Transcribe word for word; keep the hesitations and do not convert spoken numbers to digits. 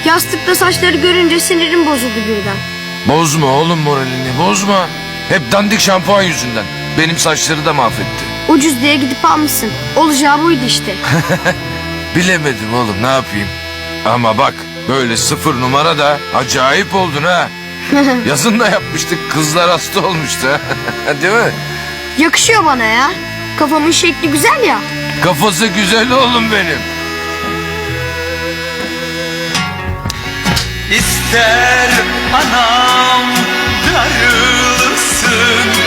Yastıkta saçları görünce sinirim bozuldu birden. Bozma oğlum moralini, bozma. Hep dandik şampuan yüzünden. Benim saçları da mahvetti. Ucuz diye gidip almışsın. Olacağı buydu işte. Bilemedim oğlum, ne yapayım. Ama bak, böyle sıfır numara da acayip oldun ha. Yazın da yapmıştık, kızlar hasta olmuştu. Değil mi? Yakışıyor bana ya. Kafamın şekli güzel ya. Kafası güzel oğlum benim. İster anam darılsın,